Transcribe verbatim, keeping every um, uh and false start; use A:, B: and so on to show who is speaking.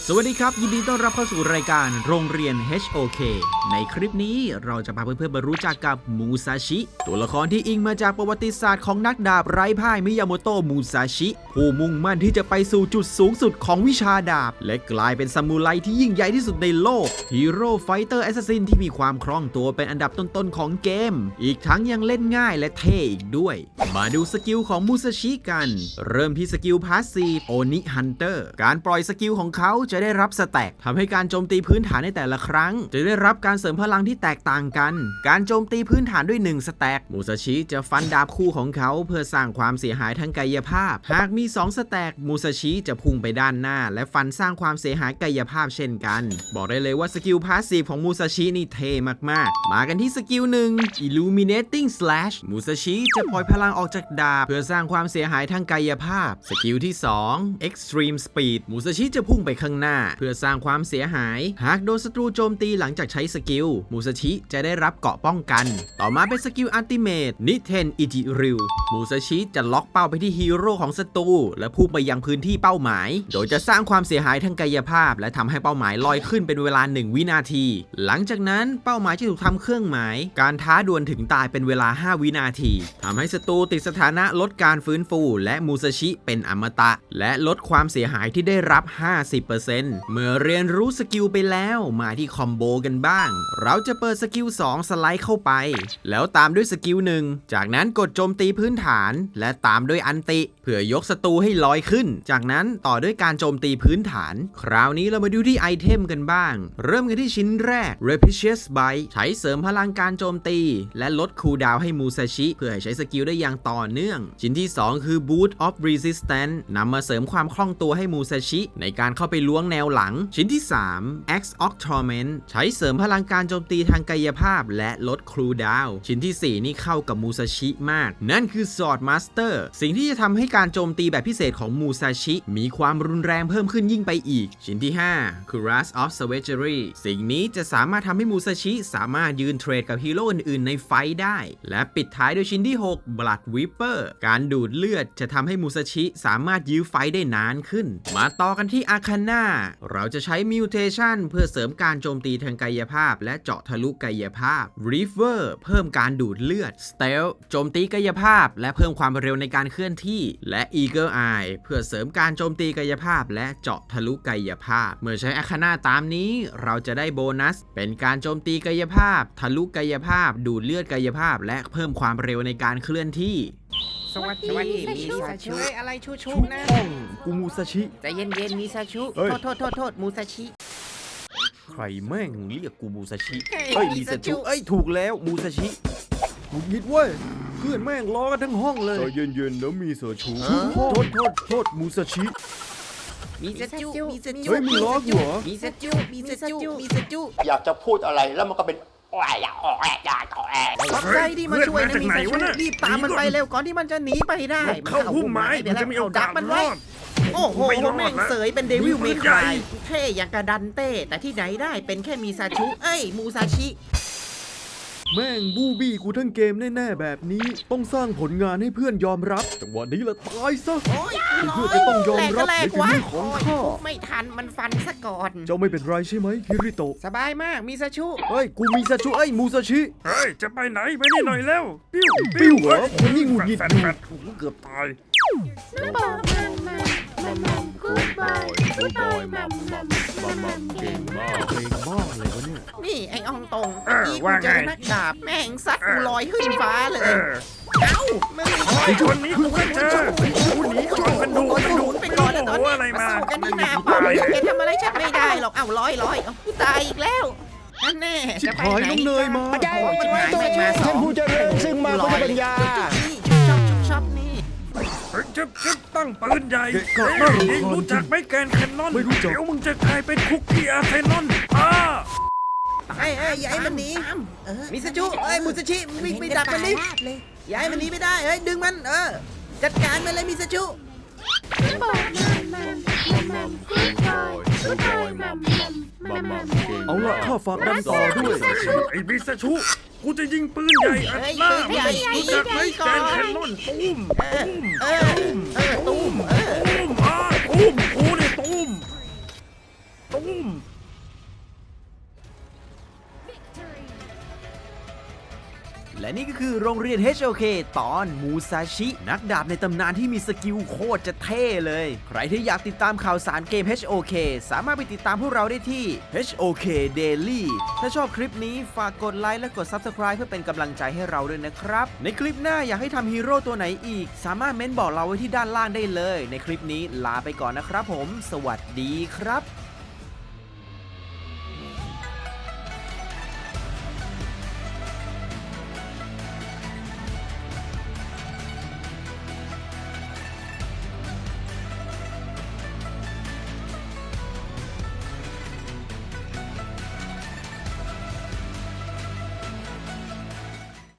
A: สวัสดีครับยินดีต้อนรับเข้าสู่รายการโรงเรียน เอช โอ เค ในคลิปนี้เราจะพาเพื่อนๆมารู้จักกับมูซาชิตัวละครที่อิงมาจากประวัติศาสตร์ของนักดาบไร้พ่ายมิยาโมโตะมูซาชิผู้มุ่งมั่นที่จะไปสู่จุดสูงสุดของวิชาดาบและกลายเป็นซามูไรที่ยิ่งใหญ่ที่สุดในโลกฮีโร่ไฟเตอร์แอสซัสซินที่มีความคล่องตัวเป็นอันดับต้นๆของเกมอีกทั้งยังเล่นง่ายและเท่อีกด้วยมาดูสกิลของมูซาชิกันเริ่มที่สกิลพาสซีฟโอนิฮันเตอร์การปล่อยสกิลของเขาจะได้รับสแต็กทำให้การโจมตีพื้นฐานในแต่ละครั้งจะได้รับการเสริมพลังที่แตกต่างกันการโจมตีพื้นฐานด้วยหนึ่งสแต็กมูซาชิจะฟันดาบคู่ของเขาเพื่อสร้างความเสียหายทางกายภาพหากมีสองสแต็กมูซาชิจะพุ่งไปด้านหน้าและฟันสร้างความเสียหายกายภาพเช่นกันบอกได้เลยว่าสกิลพาสซีฟของมูซาชินี่เท่มากๆมากันที่สกิลหนึ่ง Illuminating Slash มูซาชิจะปล่อยพลังออกจากดาบเพื่อสร้างความเสียหายทางกายภาพสกิลที่สอง Extreme Speed มูซาชิจะพุ่งไปข้างหน้าเพื่อสร้างความเสียหายหากโดนศัตรูโจมตีหลังจากใช้สกิลมูซาชิจะได้รับเกราะป้องกันต่อมาเป็นสกิลอัลติเมทนิเทนอิจิริวมูซาชิจะล็อกเป้าไปที่ฮีโร่ของศัตรูและพุ่งไปยังพื้นที่เป้าหมายโดยจะสร้างความเสียหายทางกายภาพและทำให้เป้าหมายลอยขึ้นเป็นเวลาหนึ่งวินาทีหลังจากนั้นเป้าหมายจะถูกทำเครื่องหมายการท้าดวลถึงตายเป็นเวลาห้าวินาทีทำให้ศัตรูติดสถานะลดการฟื้นฟูและมูซาชิเป็นอมตะและลดความเสียหายที่ได้รับ ห้าสิบเปอร์เซ็นต์ เมื่อเรียนรู้สกิลไปแล้วมาที่คอมโบกันบ้างเราจะเปิดสกิลสองสไลด์เข้าไปแล้วตามด้วยสกิลหนึ่งจากนั้นกดโจมตีพื้นฐานและตามด้วยอันติเพื่อยกศัตรูให้ลอยขึ้นจากนั้นต่อด้วยการโจมตีพื้นฐานคราวนี้เรามาดูที่ไอเทมกันบ้างเริ่มกันที่ชิ้นแรก Repetitious Bite ใช้เสริมพลังการโจมตีและลดคูลดาวน์ให้มูซาชิเพื่อให้ใช้สกิลได้อย่างต่อเนื่องชิ้นที่สองคือ Boot of Resistance นำมาเสริมความคล่องตัวให้มูซาชิในการเข้าไปล้วงแนวหลังชิ้นที่สาม Axe of Torment ใช้เสริมพลังการโจมตีทางกายภาพและลดคูลดาวน์ชิ้นที่สี่นี่เข้ากับมูซาชิมากนั่นคือ Sword Master สิ่งที่จะทำให้การโจมตีแบบพิเศษของมูซาชิมีความรุนแรงเพิ่มขึ้นยิ่งไปอีกชิ้นที่ห้าคือ Wrath of Savagery สิ่งนี้จะสามารถทำให้มูซาชิสามารถยืนเทรดกับฮีโร่อื่นๆในไฟท์ได้และปิดท้ายด้วยชิ้นที่หก Blood Weeper การดูดเลือดจะทำให้มูซาชิสามารถยื้อไฟท์ได้นานขึ้นมาต่อกันที่อาคาน่าเราจะใช้มิวเทชันเพื่อเสริมการโจมตีทางกายภาพและเจาะทะลุกายภาพ Reaver เพิ่มการดูดเลือด Stealth โจมตีกายภาพและเพิ่มความเร็วในการเคลื่อนที่และ Eagle Eye เพื่อเสริมการโจมตีกายภาพและเจาะทะลุกายภาพเมื่อใช้อาคาน่าตามนี้เราจะได้โบนัสเป็นการโจมตีกายภาพทะลุกายภาพดูดเลือดกายภาพและเพิ่มความเร็วในการเคลื่อนที่
B: สวัสดีมีซาชุอะไรชูชูนะ
A: กูมูซาชิ
B: ใจเย็นเย็นมีซาชุโทษโทษโทษโทษมูซาชิ
A: ใครแม่งเรียกกูมูซาชิ
B: เฮ้ย
A: เอ้ย
B: มิ
A: มิ
B: ซา
A: ซา
B: ชุ
A: ชุเอ้ยถูกแล้วมูซาชิกูยิดเว้ยเพื่อนแม่งล้อกันทั้งห้องเลยเย็นๆแล้วมีซาชูโทษโทษโทษมูซาชิ
B: มีซาจุมีซาจุ
A: เฮ้ยมีล้อกูเหรอ
B: มีซาจุมีซาจุมีซาจุ
C: อยากจะพูดอะไรแล้วมันก็เป็นแอะอยากออกแอะอยากออกแอะ
B: ขอบใจที่มาช่วยนะมีซาชุรีบตามมันไปเร็วก่อนที่มันจะหนีไปได้
D: เข้าพุ่มไม้
B: เดี๋ยว
D: มันจะมีโอกาส
B: ดักมันไว้
D: รอด
B: โอ้โห
D: ไม่รอด
B: แม่ง
D: นะ
B: เสยเป็นเดวิล
D: มี
B: เม
D: ปืน
B: ค
D: ใหญ่
B: รายเท่อย่างกระดันเต้แต่ที่ไหนได้เป็นแค่มีซาชุเอ้ยมูซาชิ
A: แม่งบูบี้กูทั้งเกมแน่ๆแบบนี้ต้องสร้างผลงานให้เพื่อนยอมรับจังหวะนี้ละตายซะ
B: โอ้ย
A: เพื่อนจะต้องยอมรับ
B: แหล
A: ใน
B: ก
A: ฝี
B: วะ
A: มือของข้า
B: ไม่ทันมันฟันซะก่อน
A: เจ้าไม่เป็นไรใช่ไหมคิริโตะ
B: สบายมากมีซาชุ
A: เฮ้ยกูมีซาชูเอ้ยมูซาชิ
D: เฮ้ย จะไปไหนไปนี่หน่อยแล้ว ปิ้ว
A: ปิ้วเหรอคนนี่หงุดหงิด
D: แฟ
A: อยู่
D: แฟดโอ้โหเกือบตาย
E: น้ำบอกมัมมัมมัมมัมกูดบอยกูดบอยมัมมัมมัมมัมเก่งมาก
A: เพลงบ้าอะไรวะเนี่ย
B: นี่ไอ้อองตรง
D: เออ
B: เมื่อกี้กู
D: ว่า
B: เจ
D: ไง
B: อนักดาบแม่งซัดกูลอยขึ้นฟ้าเล
D: เอย อ
B: เอ้ามึง
D: โอ้ยคนนี้กูก็เจอกูหนีก่อนกันดู
B: โดน
D: กัน
B: ห
D: ดู
B: นุนไปก่อนแล้วตอน
D: โอ้โห
B: นี้
D: อะไร
B: มา
D: มา
B: สู้กันที่หน้า
D: ตา
B: ป้อม
D: ย
B: แกทำอะไรฉันไม่ได้หรอกเอ้าลอยลอยเอ้ากูตายอีกแล้วนั่นแน่
A: ชิบ
B: จะไป
A: หาย
B: ไหน
A: น้องเนยมา
B: โอ้ยชิบหายแม่งมาสอง
C: ผู้เจริญซึ่งมาพุทธปัญญา
B: นี่ชุบช็อปชุบช็อปนี่
D: เฮ้ยจึ๊บจึ๊บตั้งปืนใหญ่
A: เกะกะ
D: เฮ้ย
A: น่ารำคาญ
D: ยิงรู้จักไหมแกนแคนนอน
A: ไม่รู้จัก
D: เดี๋ยวมึงจะกลายเป็นคุกกี้อาร์เซนอลอ่า
B: เอ้ยเอ้ยอย่าให้มันหนีมิซาจุเอ้ยมูซาชิวิ่งไปดักมันดิอย่าให้มันหนีไม่ได้เฮ้ยดึงมันเออจัดการมันเลยมิซาจุ
E: น้ำบอกมัมมัมมัมมัมกูดบอยกูดบอยมัมมัมมัมมัมเก่ง
A: เอาละข้าฝากดันต่อด้วย
D: ไอ้บิสชูกูจะยิงปืนใหญ่อัดหน้ามึงรู้จักไหมแกนแคนนอนตูมตูม
B: เออเออตุ้มเออ
D: ตูมอ่าตูมกูนี่ตูม
A: โรงเรียน เอช โอ เค ตอนมูซาชินักดาบในตำนานที่มีสกิลโคตรจะเท่เลย ใครที่อยากติดตามข่าวสารเกม เอช โอ เค สามารถไปติดตามพวกเราได้ที่ เอช โอ เค Daily ถ้าชอบคลิปนี้ฝากกดไลค์และกด Subscribe เพื่อเป็นกำลังใจให้เราด้วยนะครับในคลิปหน้าอยากให้ทำฮีโร่ตัวไหนอีกสามารถเม้นบอกเราไว้ที่ด้านล่างได้เลยในคลิปนี้ลาไปก่อนนะครับผมสวัสดีครับ